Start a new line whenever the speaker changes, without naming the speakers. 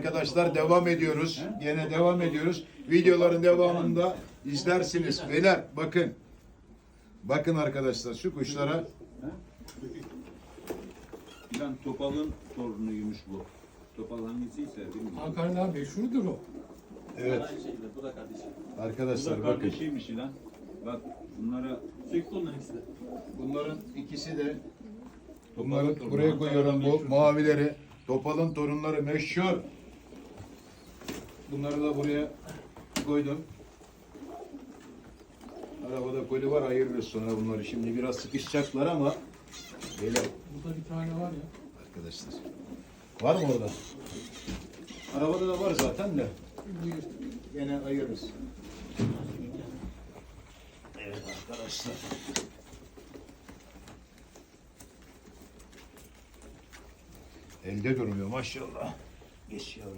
arkadaşlar devam ediyoruz. Yine devam ediyoruz. Videoların devamında izlersiniz. Beyler bakın. Bakın arkadaşlar şu kuşlara.
İlan Topal'ın torunuymuş bu. Topal hangisiyse bilmiyorum.
Hakan abi şudur o.
Evet.
Aynı şekilde bu da kardeşim.
Bu
Arkadaşlar
da
bakın.
kardeşiymiş İlan. Bak bunlara
Sürekli onların ikisi de.
Bunların ikisi de
Topal'ın
bunları
torunu.
buraya koyuyorum bu
Meşhur.
mavileri. Topal'ın torunları meşhur. Bunları da buraya koydum. Arabada koli var, ayırırız sonra bunları. Şimdi biraz sıkışacaklar ama böyle
Burada bir tane var ya.
arkadaşlar. Var mı orada? Arabada da var zaten de.
Buyur.
Gene ayırırız. Evet arkadaşlar. Elde durmuyor maşallah. Geç yavrum.